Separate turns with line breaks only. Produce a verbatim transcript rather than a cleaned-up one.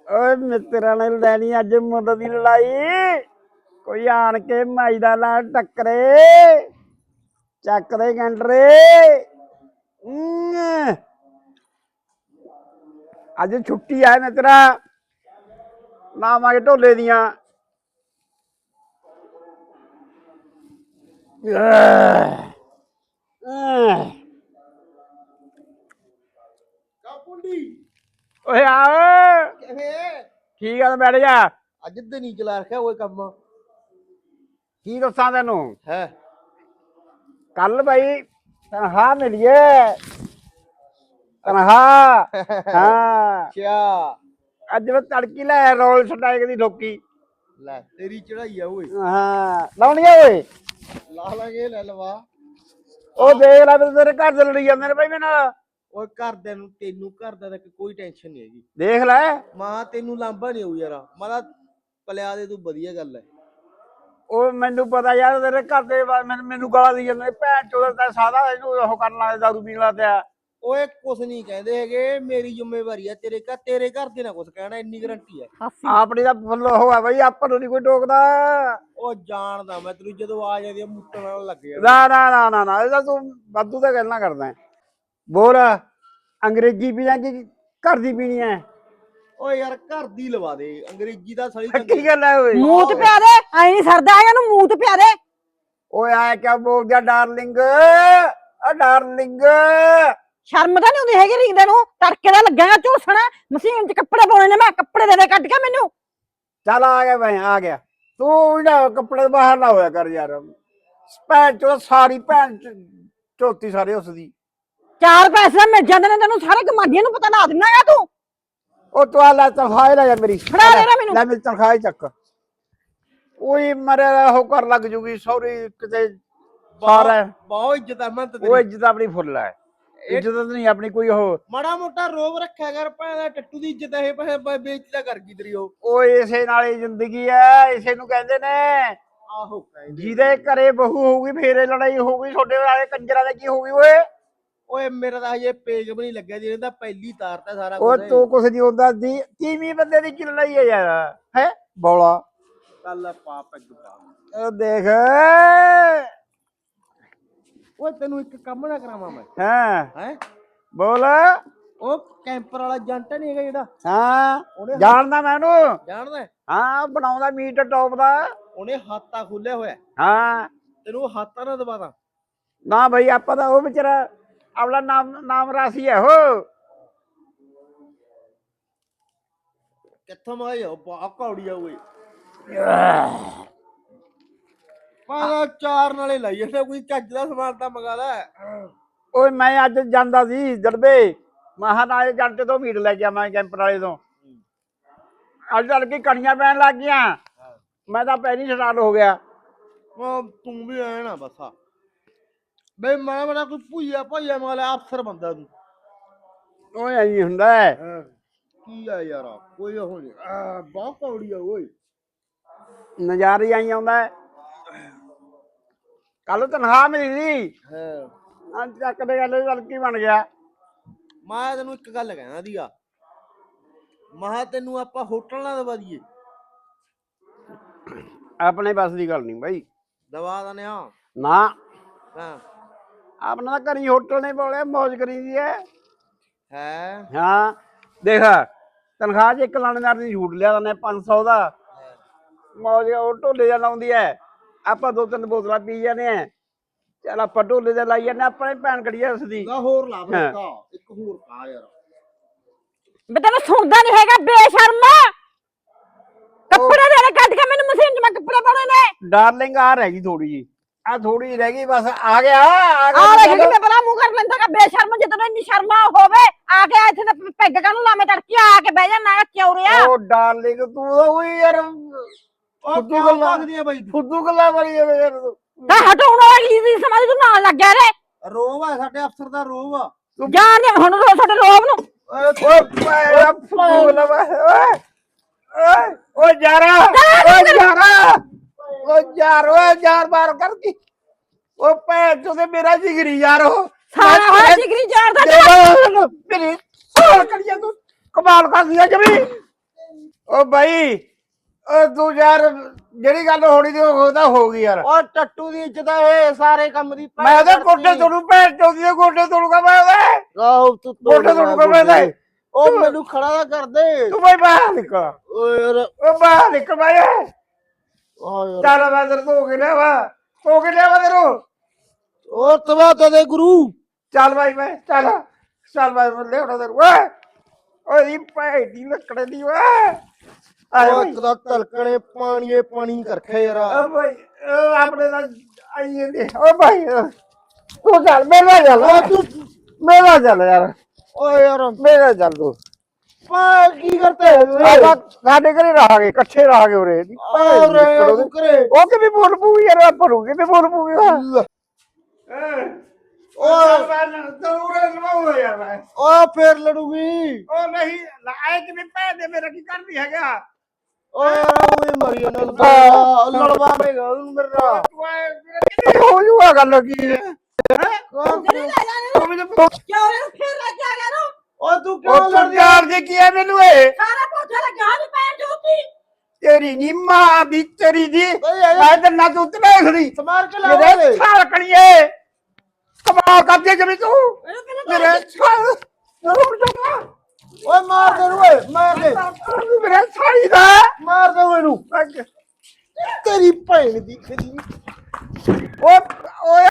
ਓਏ ਮਿੱਤਰਾਂ ਨੇ ਲੈਣੀ ਅੱਜ ਮੁੱਲ ਦੀ ਲੜਾਈ। ਕੋਈ ਆਣ ਕੇ ਮਾਈ ਦਾ ਲਾ ਟੱਕਰੇ, ਚੱਕ ਦੇ ਗੰਡਰੇ। ਅੱਜ ਛੁੱਟੀ ਆ ਮਿੱਤਰਾ, ਲਾਵਾਂਗੇ ਢੋਲੇ ਦੀਆਂ। ਓਏ ਆ ਠੀਕ ਆ, ਬੈਠ ਜਾ।
ਅੱਜ ਤੇ ਨਹੀਂ ਚਲਾ ਰੱਖਿਆ ਕੋਈ ਕੰਮ।
ਕੀ ਦੱਸਾਂ ਤੈਨੂੰ
ਹੈ
ਕੱਲ ਬਾਈ ਤਨਖਾਹ ਮਿਲੀਏ, ਤਨਖਾਹ। ਹਾਂ
ਅੱਛਾ,
ਅੱਜ ਮੈਂ ਤੜਕੀ ਲੈ ਰੋਲ ਸਟਾਈਕ ਦੀ ਠੋਕੀ।
ਲੈ ਤੇਰੀ ਚੜਾਈ ਆ ਓਏ।
ਹਾਂ ਲਾਉਣੀ ਆ ਓਏ,
ਲਾ ਲਾਂਗੇ, ਲੈ ਲਵਾ।
ਉਹ ਦੇਖ ਲੈ ਤੇਰੇ ਘਰ ਦੇ ਲੜੀ ਜਾਂਦੇ ਨੇ ਬਾਈ ਮੇਰੇ ਨਾਲ।
ਓਏ ਘਰਦਿਆਂ ਨੂੰ, ਤੈਨੂੰ ਘਰ ਦਾ ਤਾਂ ਕੋਈ ਟੈਨਸ਼ਨ ਨਹੀਂ ਹੈਗੀ।
ਦੇਖ ਲੈ
ਮਾਂ ਤੈਨੂੰ ਲਾਂਭਾ ਨਹੀਂ ਆਊ ਯਾਰ, ਮਾਰਾ ਪਲਿਆ ਦੇ, ਤੂੰ ਵਧੀਆ ਗੱਲ ਹੈ।
ਉਹ ਮੈਨੂੰ ਪਤਾ ਯਾਰ, ਤੇਰੇ ਘਰ ਦੇ ਮੈਨੂੰ ਗਾਲਾਂ ਦੀ ਜਾਂਦੇ, ਭੈਣ ਚੋਦ ਦਾ ਸਾਦਾ ਇਹਨੂੰ ਉਹ ਕਰਨ ਲੱਗ ਦਾਰੂ ਪੀਣ ਲੱਗ ਪਿਆ।
ਓਏ ਕੁਛ ਨਹੀਂ ਕਹਿੰਦੇ ਹੈਗੇ, ਮੇਰੀ ਜ਼ਿੰਮੇਵਾਰੀ ਆ। ਤੇਰੇ ਘਰ ਤੇਰੇ ਘਰ ਦੇ ਨਾ ਕੁਛ ਕਹਿਣਾ, ਇੰਨੀ ਗਰੰਟੀ ਹੈ
ਆਪਣੀ ਤਾਂ ਫੁੱਲ ਉਹ ਆ ਬਈ, ਆਪਾਂ ਨੂੰ ਨੀ ਕੋਈ ਟੋਕਦਾ।
ਉਹ ਜਾਣਦਾ ਮੈਂ ਤੈਨੂੰ, ਜਦੋਂ ਆ ਜਾਂਦੀ ਆ ਮੁੱਟਣ ਨਾਲ ਲੱਗ ਗਿਆ।
ਨਾ ਨਾ ਨਾ ਨਾ ਨਾ ਇਹਦਾ ਤੂੰ ਵਾਧੂ ਤਾਂ ਗੱਲਾਂ ਕਰਦਾ। ਬੋਲ, ਅੰਗਰੇਜ਼ੀ ਪੀਣਾ ਕਿ ਘਰ ਦੀ ਪੀਣੀ ਹੈ?
ਓਏ ਯਾਰ ਘਰ ਦੀ ਲਵਾ ਦੇ, ਅੰਗਰੇਜ਼ੀ ਦਾ ਸੜੀ
ਕੀ ਗੱਲ ਹੈ ਓਏ?
ਮੂੰਹ ਤੇ ਪਿਆ ਦੇ, ਐ ਨਹੀਂ ਸਰਦਾ ਹੈਗਾ ਨੂੰ, ਮੂੰਹ ਤੇ ਪਿਆ ਦੇ।
ਓਏ ਆਇਆ ਕਿਆ ਬੋਲ ਗਿਆ ਡਾਰਲਿੰਗ, ਆ ਡਾਰਲਿੰਗ।
ਸ਼ਰਮ ਤਾਂ ਨਹੀਂ ਆਉਂਦੀ ਹੈਗੀ ਰੀਂਦੇ ਨੂੰ, ਤੜਕੇ ਦਾ ਲੱਗਿਆ ਝੂਸਣਾ। ਮਸ਼ੀਨ 'ਚ ਕੱਪੜੇ ਪਾਉਣੇ ਨੇ, ਮੈਂ ਕੱਪੜੇ ਦੇ ਦੇ ਕੱਢ ਕੇ ਮੈਨੂੰ।
ਚੱਲ ਆ ਗਿਆ ਮੈਂ, ਆ ਗਿਆ। ਤੂੰ ਨਾ ਕੱਪੜੇ ਬਾਹਰ ਨਾ ਹੋਇਆ ਕਰ ਯਾਰ, ਭੈਣ ਚੋ ਸਾਰੀ ਭੈਣ ਚੋਤੀ ਸਾਰੇ ਉਸਦੀ।
ਚਾਰ ਪੈਸੇ ਮਿਲ ਜਾਂਦੇ ਨੇ ਤੈਨੂੰ, ਸਾਰੇ ਗਮਾਡੀਆਂ ਨੂੰ ਪਤਾ ਲਾ ਦਿੰਦਾ ਆ ਤੂੰ।
ਉਹ ਤੂੰ ਆ ਲੈ ਤਨਖਾਹ ਲੈ ਜਾ ਮੇਰੀ,
ਫੜਾ ਦੇ ਮੈਨੂੰ।
ਲੈ ਮੇਰੀ ਤਨਖਾਹ ਚੱਕ। ਉਹੀ ਮਰਿਆ ਉਹ ਕਰ ਲੱਗ ਜੂਗੀ ਸੌਰੀ ਕਿਤੇ ਸਾਰਾ।
ਬਹੁਤ ਇੱਜ਼ਤ ਆ ਮੈਂ ਤੇ।
ਉਹ ਇੱਜ਼ਤ ਆਪਣੀ ਫੁੱਲ ਹੈ, ਇੱਜ਼ਤ ਨਹੀਂ ਆਪਣੀ ਕੋਈ। ਉਹ
ਮਾੜਾ ਮੋਟਾ ਰੋਬ ਰੱਖਿਆ ਕਰ, ਭੈਣ ਟੱਟੂ ਦੀ ਇੱਜ਼ਤ ਇਹ ਬੇਇੱਜ਼ਤੀ ਕਰ ਗਈ ਤੇਰੀ। ਉਹ
ਉਹ ਇਸੇ ਨਾਲ ਹੀ ਜ਼ਿੰਦਗੀ ਹੈ, ਇਸੇ ਨੂੰ ਕਹਿੰਦੇ ਨੇ।
ਆਹੋ
ਜਿਹਦੇ ਘਰੇ ਬਹੂ ਹੋਊਗੀ ਫੇਰ ਲੜਾਈ ਹੋਊਗੀ, ਤੁਹਾਡੇ ਵਾਲੇ ਕੰਜਰਾਂ ਦੇ ਕੀ ਹੋਊਗੀ ਓਏ?
ਓਏ ਮੇਰਾ ਤਾਂ ਹਜੇ ਪੇਜ ਵੀ ਨਹੀਂ ਲੱਗਿਆ, ਜਿਹਨੇ ਤਾਂ ਪਹਿਲੀ ਤਾਰਤਾ ਸਾਰਾ
ਉਹ
ਕੁਝ।
ਤੂੰ ਕੁਛ ਨਹੀਂ ਹੁੰਦਾ ਦੀ, ਤੀਵੀਂ ਬੰਦੇ ਦੀ ਕੀ ਲੜਾਈ ਹੈ ਯਾਰ? ਹੈ ਬੋਲਾ
ਕੱਲ ਪਾ ਪੈਗ ਪਾ।
ਉਹ ਦੇਖ
ਓਏ ਤੈਨੂੰ ਇੱਕ ਕੰਮ ਨਾ ਕਰਾਵਾਂ ਮੈਂ।
ਹਾਂ
ਹੈ
ਬੋਲ।
ਉਹ ਕੈਂਪਰ ਵਾਲਾ ਜੰਟ ਨਹੀਂ ਹੈਗਾ ਜਿਹੜਾ?
ਹਾਂ ਜਾਣਦਾ ਮੈਂ ਉਹਨੂੰ।
ਜਾਣਦਾ?
ਹਾਂ ਬਣਾਉਂਦਾ ਮੀਟ ਟੌਪ ਦਾ।
ਉਹਨੇ ਹਾਤਾ ਖੋਲਿਆ ਹੋਇਆ।
ਹਾਂ
ਤੈਨੂੰ ਹਾਤਾ ਨਾ ਦਵਾਦਾ
ਨਾ ਬਈ, ਆਪਾਂ ਤਾਂ ਉਹ ਵਿਚਾਰਾ ਆਪਣਾ ਨਾਮ ਨਾਮ ਰਾਸੀ ਹੈ ਉਹ।
ਕਿੱਥੋਂ ਮਾਇਆ ਬਾ ਕੌੜੀ ਆ ਓਏ। ਪਾਗਾ ਚਾਰ ਨਾਲੇ ਲਾਈ ਜਾਂਦਾ, ਕੋਈ ਚੱਜ ਦਾ ਸਮਾਨ ਤਾਂ ਮੰਗਾ ਲੈ।
ਓਏ ਮੈਂ ਅੱਜ ਜਾਂਦਾ ਸੀ ਜੜਬੇ, ਮਹਾਂ ਨਾਲੇ ਜੰਟੇ ਤੋਂ ਮੀਟ ਲੈ ਗਿਆ ਮੈਂ, ਕੈਂਪਰ ਵਾਲੇ ਤੋਂ। ਅੱਜ ਤੜਕੇ ਕਣੀਆਂ ਪੈਣ ਲੱਗ ਗਈਆਂ, ਮੈਂ ਤਾਂ ਪਹਿਲੀ ਸਟਾਰਟ ਹੋ ਗਿਆ।
ਉਹ ਤੂੰ ਵੀ ਐ ਨਾ ਬਸਾ ਬਈ, ਮੈਂ ਬੜਾ ਕੋਈ ਭੁਈਆ ਭਈਆ ਮਾਲਾ ਅਫਸਰ ਬੰਦਾ ਤੂੰ।
ਓਏ ਐਂ ਹੁੰਦਾ ਹੈ
ਕੀ ਆ ਯਾਰ, ਕੋਈ ਉਹ ਨਹੀਂ। ਆ ਬਹੁਤ ਕੌੜੀ ਆ ਓਏ,
ਨਜ਼ਾਰੇ ਆਈ ਆਉਂਦਾ। ਕੱਲ ਤਨਖਾਹ ਮਿਲੀ ਸੀ,
ਹਾਂ
ਅੱਜ ਚੱਕ ਦੇ ਗੱਲ ਚੱਲ ਕੀ ਬਣ ਗਿਆ।
ਮੈਂ ਤੈਨੂੰ ਇੱਕ ਗੱਲ ਕਹਿਣਾ ਦੀਆ, ਮਹਾ ਤੈਨੂੰ ਆਪਾਂ ਹੋਟਲ ਨਾ ਦਵਾ ਦਈਏ।
ਆਪਣੇ ਬਸ ਦੀ ਗੱਲ ਨਹੀਂ ਬਾਈ,
ਦਵਾ ਦਨੇ ਆ
ਨਾ।
ਹਾਂ
ਆਪਣਾ ਤਾਂ ਘਰੀ ਹੋਟਲ ਨੇ ਬੋਲਿਆ, ਮੌਜ ਕਰੀ ਦੀ ਹੈ।
ਹੈ
ਹਾਂ ਦੇਖ, ਤਨਖਾਹ ਚ ਇੱਕ ਲਾਣੇਦਾਰ ਦੀ ਛੂਟ ਲਿਆ ਦਨੇ ਪੰਜ ਸੌ ਦਾ, ਮੌਜ ਉਹ ਢੋਲੇ ਜਾਂ ਲਾਉਂਦੀ ਹੈ। ਆਪਾਂ ਦੋ ਤਿੰਨ ਬੋਤਲਾਂ ਪੀ ਜਾਂਦੇ ਆ, ਚੱਲ ਆਪਾਂ ਢੋਲੇ ਦਾ ਲਾਈ ਜਾਂਦੇ, ਆਪਣੇ ਭੈਣ ਕੜੀ ਉਸਦੀ।
ਹੋਰ ਲਾ ਫਿਰ ਇੱਕ ਹੋਰ ਪਾ ਯਾਰ।
ਮੈਂ ਤੈਨੂੰ ਸੁਣਦਾ ਨਹੀਂ ਹੈਗਾ ਬੇਸ਼ਰਮ। ਕੱਪੜੇ ਦੇ ਕੱਢ ਕੇ ਮੈਨੂੰ, ਮਸ਼ੀਨ 'ਚ ਮੈਂ ਕੱਪੜੇ ਪਾਉਣੇ ਨੇ।
ਡਾਰਲਿੰਗ ਆ ਰਹਿ ਗਈ ਥੋੜੀ ਜੀ, ਆ ਥੋੜੀ ਰਹਿ ਗਈ ਬਸ। ਆ ਗਿਆ ਆ
ਆ ਦੇਖ ਕਿਤੇ ਬਲਾ ਮੂੰਹ ਕਰ ਲੈਂਦਾ, ਬੇਸ਼ਰਮ। ਜਦੋਂ ਇੰਨੀ ਸ਼ਰਮਾ ਹੋਵੇ ਆ ਕੇ ਇੱਥੇ ਤੇ ਪੈਗ ਕਾਹਨੂੰ ਲਾਵੇਂ ਤੜਕੀ, ਆ ਕੇ ਬਹਿ ਜਾ ਨਾ ਚੌਰਿਆ।
ਉਹ ਡਾਰਲਿੰਗ ਤੂੰ ਤਾਂ ਉਹੀ ਯਾਰ ਫੁੱਦੂ ਗੱਲਾਂ
ਆ ਬਾਈ,
ਫੁੱਦੂ ਗੱਲਾਂ ਮਾਰੀ ਜਾਂਦੇ ਯਾਰ ਤੂੰ।
ਤਾਂ ਹਟਾਉਣ ਵਾਲੀ ਦੀ ਸਮਾਜ ਤੂੰ ਨਾਲ ਲੱਗ ਗਿਆ ਰੇ।
ਰੋਬ ਆ ਸਾਡੇ ਅਫਸਰ ਦਾ, ਰੋਬ ਆ।
ਜਾਣ ਦੇ ਹੁਣ ਰੋ ਸਾਡੇ ਰੋਬ ਨੂੰ।
ਓਏ ਓਏ ਫੁੱਦੂ ਗੱਲਾਂ ਓਏ ਓਏ ਓ ਯਾਰਾ, ਓ ਯਾਰਾ, ਓ ਯਾਰ, ਓਏ ਯਾਰ ਬਾਰ ਕਰ ਕੀ। ਉਹ ਭੈਣ ਚੋਂ ਤੇ ਮੇਰਾ ਜਿਗਰੀ ਯਾਰ, ਉਹ
ਸਾਰਾ ਹੋਇਆ ਜਿਗਰੀ ਯਾਰ ਦਾ।
ਮੇਰੀ ਸਾਲ ਕੜੀਆਂ ਤੂੰ ਕਮਾਲ ਕਰਦੀ ਆ ਜਮੀ। ਓ ਬਾਈ ਓ ਤੂੰ ਯਾਰ ਜਿਹੜੀ ਗੱਲ ਹੋਣੀ ਤੇ ਉਹ ਤਾਂ ਹੋ ਗਈ ਯਾਰ।
ਓ ਟੱਟੂ ਦੀ ਇੱਜ਼ਤ ਹੈ ਸਾਰੇ ਕੰਮ ਦੀ।
ਮੈਂ ਉਹਦੇ ਗੋਡੇ ਤੋੜੂ ਭੈਣ ਚੋਦੀ ਦੇ ਗੋਡੇ ਤੋੜੂਗਾ ਮੈਂ ਉਹਦੇ
ਆਹੋ ਤੂੰ
ਗੋਡੇ ਤੋੜੂਗਾ ਮੈਂ ਉਹਦੇ।
ਓ ਮੈਨੂੰ ਖੜਾ ਨਾ ਕਰ ਦੇ।
ਤੂੰ ਬਾਈ ਬਾਹਰ ਨਿਕਲ।
ਓ ਯਾਰ
ਓ ਬਾਹਰ ਨਿਕਲ ਬਾਈ।
ਆ ਯਾਰ
ਚੱਲ ਮੈਂ ਤੇਰੇ ਧੋ ਕੇ ਲਿਆਵਾ ਧੋ ਕੇ ਲਿਆਵਾ ਤੈਨੂੰ।
ਓ ਤਵਾ ਦੇ ਗੁਰੂ।
ਚੱਲ ਬਾਈ ਮੈਂ ਚੱਲ ਚੱਲ ਬਾਈ ਮੈਂ ਲਿਆਉਣਾ ਤੈਨੂੰ ਓਏ ਓਏ ਭੈਣ ਦੀ ਲੱਕੜੇ ਦੀ ਓਏ।
ਓ ਇੱਕ ਦਾ ਤਲਕਣੇ ਪਾਣੀਏ ਪਾਣੀ ਕਰਖੇ ਯਾਰ।
ਓ ਭਾਈ ਓ ਆਪਣੇ ਨਾਲ ਆਈ ਜਾਂਦੇ ਓ ਭਾਈ ਤੂੰ ਚੱਲ ਮੇਰੇ ਨਾਲ ਚੱਲ ਓ ਤੂੰ ਮੇਰੇ ਨਾਲ ਚੱਲ ਯਾਰ।
ਓ ਯਾਰ
ਮੇਰੇ ਨਾਲ ਚੱਲ ਤੂੰ।
ਪਾ ਕੀ ਕਰਤੇ
ਆਪਾਂ ਸਾਡੇ ਘਰੇ ਰਹਾਂਗੇ ਇਕੱਠੇ ਰਹਾਂਗੇ ਉਰੇ
ਔਰ ਕਰੇ
ਉਹ ਕਿਵੇਂ ਬੋਲ ਪੂਗੀ ਯਾਰ ਆਪਾਂ ਨੂੰ ਕਿਵੇਂ ਬੋਲ ਪੂਗੀ ਓ ਤੂੰ ਲਵਾਉ ਯਾਰ ਮੈਂ
ਓ ਫੇਰ ਲੜੂਗੀ।
ਉਹ ਨਹੀਂ ਐ ਕਿਵੇਂ ਭੈਣ ਦੇ ਮੇਰਾ ਕੀ ਕਰਦੀ ਹੈਗਾ।
ਓ ਯਾਰ ਉਹ ਮਰੀ ਨਾ ਲੜਵਾਵੇਗਾ ਉਹਨੂੰ ਮੇਰੇ ਨਾਲ।
ਹੋ ਜੂਗਾ ਗੱਲ ਕੀ ਹੈ
ਜਿਹੜੇ ਲੈ ਜਾਣੇ ਨੂੰ ਕਿਉਂ ਇਹਨੂੰ ਫੇਰ ਲੈ ਕੇ ਆ ਗਿਆ ਨੂੰ
ਓ ਤੂੰ ਕਿਉਂ
ਉਹ
ਲੜਦੀ
ਸਰਦਾਰ ਜੀ ਕੀ ਹੈ ਮੈਨੂੰ ਇਹ
ਸਾਰਾ ਪੋਚਾ ਲੱਗਿਆ ਨਹੀਂ ਪੈਣ ਜੋਤੀ
ਤੇਰੀ ਨੀ ਮਾਂ ਦੀ ਤੇਰੀ ਦੀ
ਓਏ ਯਾਰ
ਮੈਂ ਤੇ ਨਾ ਤੂੰ ਤੇ ਖੜੀ
ਸਮਾਰ ਕੇ
ਮੇਰੇ
ਲਾਵੇ।
ਛਾਲ ਕਣੀਏ ਕਮਾਲ ਕਰਦੇ ਜਮੀ ਤੂੰ
ਇਹਨੂੰ ਕਹਿੰਦਾ
ਮੇਰੇ ਛਾਲ ਜ਼ਰੂਰ ਜਗਾ
ਓਏ ਮਾਰ ਦੇ ਨੂੰ ਓਏ ਮਾਰ ਦੇ
ਮੇਰੇ ਛਾਲੀ ਦਾ
ਮਾਰ ਦੇ ਇਹਨੂੰ ਤੇਰੀ ਭੈਣ ਦੀ ਖਦੀ।
ਓਏ ਓਏ